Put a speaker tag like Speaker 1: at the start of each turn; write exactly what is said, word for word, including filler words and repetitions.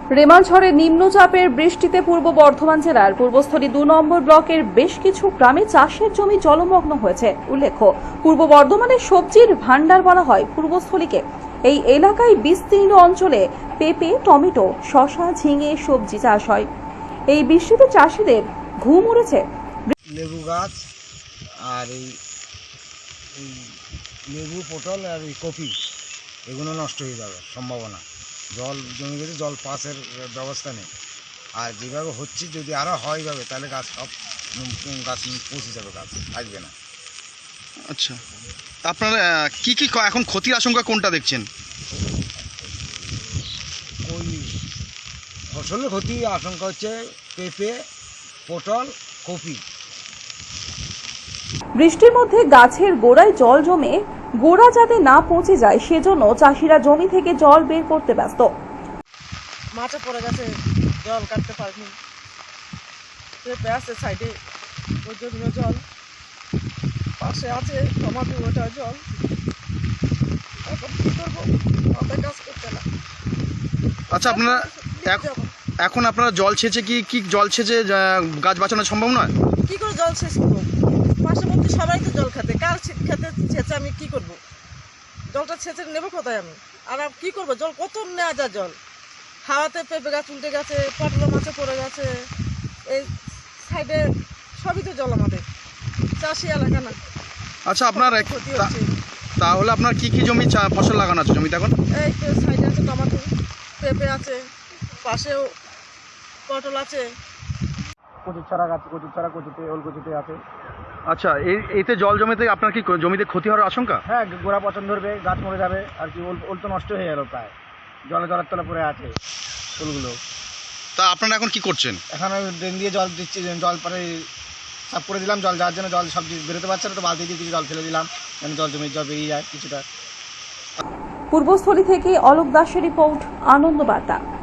Speaker 1: রেমালঝড়ে নিম্নচাপের বৃষ্টিতে পূর্ব বর্ধমান জেলার পূর্বস্থলী দু নম্বর ব্লকের বেশ কিছু গ্রামে চাষের জমি জলমগ্ন হয়েছে। উল্লেখ্য, পূর্ব বর্ধমানের সবজির ভান্ডার বলা হয় পূর্বস্থলীকে। এই এলাকায় বিস্তীর্ণ অঞ্চলে পেঁপে, টমেটো, শসা, ঝিঙে সবজি চাষ হয়। এই বৃষ্টিতে চাষিদের ঘুম উড়েছে।
Speaker 2: লেবু গাছ আর এই লেবু, পটল আর এই কপি এগুলো নষ্ট হয়ে যাবে সম্ভাবনা। জল জমে গেছে, জল পাসের ব্যবস্থা নেই। আর যেভাবে হচ্ছে যদি আরও হয় যাবে তাহলে গাছ সব গাছ পচে যাবে, গাছ থাকবে না।
Speaker 3: আচ্ছা, আপনারা কি কি এখন ক্ষতির আশঙ্কা কোনটা দেখছেন?
Speaker 2: ওই ফসলের ক্ষতি আশঙ্কা হচ্ছে পেঁপে, পটল, কপি।
Speaker 1: বৃষ্টির মধ্যে গাছের গোড়ায় জল জমে গোড়া যাতে না পচে যায় সেজন্য চাষিরা জমি থেকে জল বের করতে ব্যস্ত।
Speaker 4: মাঠে পড়ে গেছে, জল কাটতে পারিনি। পেঁপে আছে সাইডে, ওই জন্য জল। পাশে আছে টমাটো, ওটা জল। এখন কি করবো, মাথায় কাজ করতে না।
Speaker 3: আচ্ছা, আপনারা এখন আপনারা জল ছেঁচে কি কি জল ছেঁচে গাছ বাঁচানো সম্ভব নয়?
Speaker 4: কি করে জল শেষ করবো? পার্শ্ববর্তী সবাই তো জল খেতে, কার খেতে ছেঁচে আমি কি করব? জলটা ছেঁচে নেবো কোথায় আমি? আর কি করবো? জল কত নেওয়া যায় জল? হাওয়াতে পেঁপে গাছ উল্টে গেছে, পটল মাছে পড়ে গেছে। এই সাইডে সবই তো জল, আমাদের চাষি এলাকা না।
Speaker 3: আচ্ছা, আপনার তাহলে আপনার কি কি জমি ফসল লাগানো আছে জমিতে এখন?
Speaker 4: এই তো সাইডে আছে টমাটো, পেঁপে আছে, পাশেও পটল আছে।
Speaker 2: কচুর চারা গাছ, কচুর চারা কচুতে, ওল কচুতে আছে।
Speaker 3: আচ্ছা, এই এতে জল জমিতে আপনার কি জমিতে ক্ষতি হওয়ার আশঙ্কা?
Speaker 2: হ্যাঁ, গোড়া পচন ধরবে, গাছ মরে যাবে আর কি। ওল ওল তো নষ্ট হয়ে গেল প্রায়, জলে জলের তলা পড়ে আছে ওলগুলো।
Speaker 3: তা আপনারা এখন কি করছেন?
Speaker 2: এখন ড্রেন দিয়ে জল দিচ্ছি, জল পরে সাফ করে দিলাম। জল যাওয়ার জন্য জল সব বেরোতে পারছে না, তো বালতি দিয়ে কিছু জল ফেলে দিলাম যেন জল জমি জল বেরিয়ে যায় কিছুটা।
Speaker 1: পূর্বস্থলী থেকে অলোক দাসের রিপোর্ট, আনন্দ বার্তা।